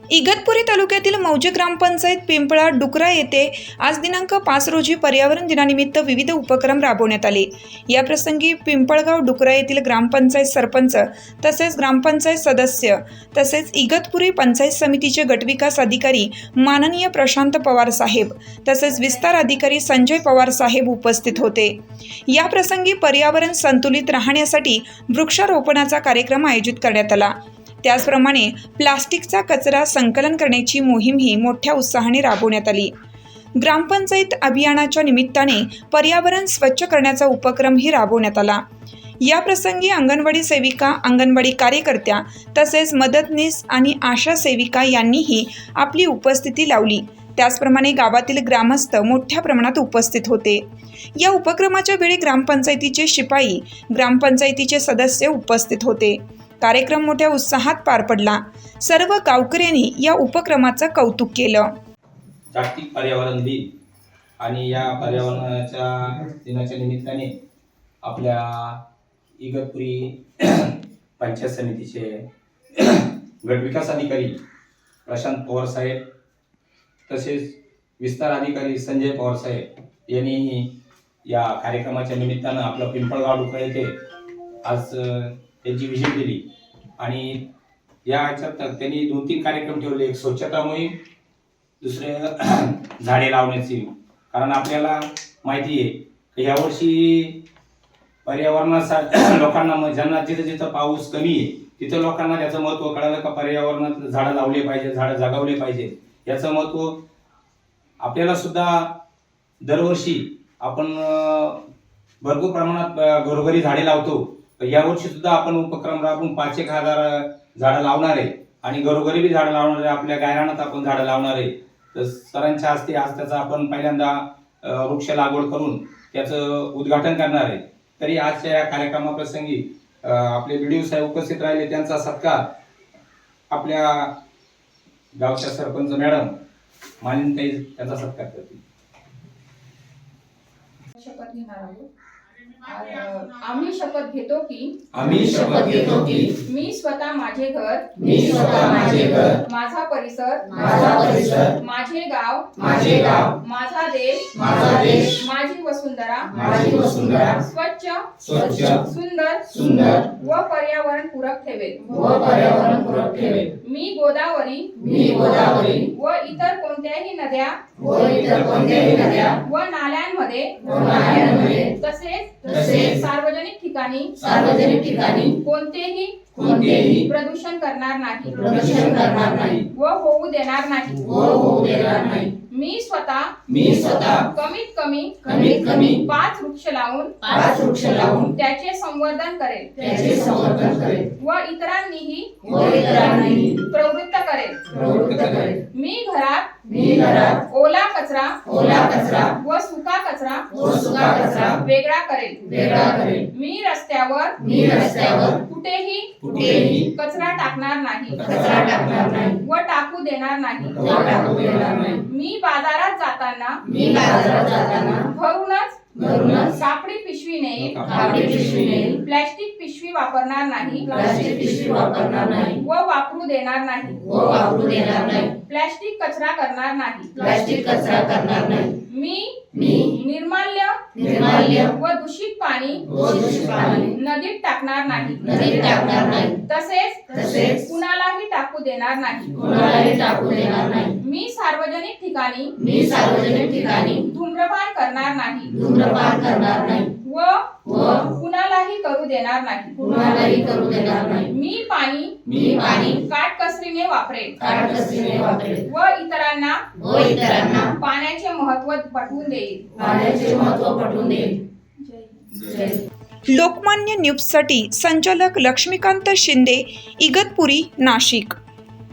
इगतपुरी तालुक्यातील मौजे ग्रामपंचायत पिंपळा डुकरा येथे आज दिनांक 5 रोजी पर्यावरण दिनानिमित्त विविध उपक्रम राबवण्यात आले। या प्रसंगी पिंपळगाव डुकरा येथील ग्रामपंचायत सरपंच तसेच ग्रामपंचायत सदस्य तसेच इगतपुरी पंचायत समितीचे गटविकास अधिकारी माननीय प्रशांत पवार साहेब तसेच विस्तार अधिकारी संजय पवार साहेब उपस्थित होते। या प्रसंगी पर्यावरण संतुलित राहण्यासाठी वृक्षारोपणाचा कार्यक्रम आयोजित करण्यात आला। त्याचप्रमाणे प्लास्टिकचा कचरा संकलन करण्याची मोहीमही मोठ्या उत्साहाने राबवण्यात आली। ग्रामपंचायत अभियानाच्या निमित्ताने पर्यावरण स्वच्छ करण्याचा उपक्रमही राबवण्यात आला। या प्रसंगी अंगणवाडी सेविका, अंगणवाडी कार्यकर्त्या तसेच मदतनीस आणि आशा सेविका यांनीही आपली उपस्थिती लावली। त्याचप्रमाणे गावातील ग्रामस्थ मोठ्या प्रमाणात उपस्थित होते। या उपक्रमाच्या वेळी ग्रामपंचायतीचे शिपाई, ग्रामपंचायतीचे सदस्य उपस्थित होते। कार्यक्रम मोठ्या उत्साहात पार पडला। सर्व गावकऱ्यांनी या उपक्रमाचं कौतुक केलं। जागतिक पर्यावरण दिन आणि या पर्यावरणाच्या दिनाच्या निमित्ताने आपल्या इगतपुरी पंचायत समितीचे गटविकास अधिकारी प्रशांत पवार साहेब तसेच विस्तार अधिकारी संजय पवार साहेब यांनीही या कार्यक्रमाच्या निमित्तानं आपलं पिंपळगाव डुकरा येथे आज त्यांची व्हिजिट दिली आणि या ह्याच्यात त्यांनी 2-3 कार्यक्रम ठेवले। एक स्वच्छता मोहीम, दुसरे झाडे लावण्याची। कारण आपल्याला माहिती आहे की यावर्षी पर्यावरणाचा लोकांना ज्यांना जिथं पाऊस कमी आहे तिथं लोकांना त्याचं महत्त्व कळालं का पर्यावरणात झाडं लावले पाहिजे, झाडं जगवले पाहिजे। याचं महत्त्व आपल्याला सुद्धा दरवर्षी आपण भरपूर प्रमाणात घरोघरी झाडे लावतो। यावर्षी सुद्धा आपण उपक्रम राबवून 5,000 झाडं लावणार आहे आणि घरोघरी बी झाडं लावणार आहे। आपल्या गायरानात आपण झाडं लावणार आहे। तर सरांच्या हस्ते आज त्याचा आपण पहिल्यांदा वृक्ष लागवड करून त्याचं उद्घाटन करणार आहे। तरी आजच्या या कार्यक्रमाप्रसंगी आपले व्हिडिओ साहेब उपस्थित राहिले, त्यांचा सत्कार आपल्या गावच्या सरपंच मॅडम मानिनताई त्यांचा सत्कार करतील। शपथ घेणार आहोत। आम्ही शपथ घेतो की मी स्वतः माझे घर, माझा परिसर, माझे गाव, माझा देश, माझी वसुंधरा स्वच्छ, सुंदर व पर्यावरण पूरक ठेवेल। मी गोदावरी व इतर कोणत्याही नद्या व नाल्यांमध्ये तसेच सार्वजनिक ठिकाणी कोणतेही प्रदूषण करणार नाही व होऊ देणार नाही। मी स्वतः कमीत कमी 5 वृक्ष लावून त्याचे संवर्धन करेल व इतरांनीही प्रवृत्त करेल। मी घरात ओला कचरा व सुका कचरा वेगळा करेल। मी रस्त्यावर कुठेही कचरा टाकणार नाही व टाकू देणार नाही। मी बाजारात जाताना घरूनच कापडी पिशवी नेईल, प्लास्टिक पिशवी वापरणार नाही व वापरू देणार नाही। प्लास्टिक कचरा करणार नाही। मी निर्माल्य व दूषित पाणी नदीत टाकणार नाही तसेच कुणालाही टाकू देणार नाही। मी सार्वजनिक ठिकाणी धूम्रपान करणार नाही व कुणालाही करू देणार नाही। मी पाणी काटकसरीने वापरेल व इतरांना पाण्याचे महत्त्व पटवून देईल। लोकमान्य न्यूजसाठी संचालक लक्ष्मीकांत शिंदे, इगतपुरी, नाशिक।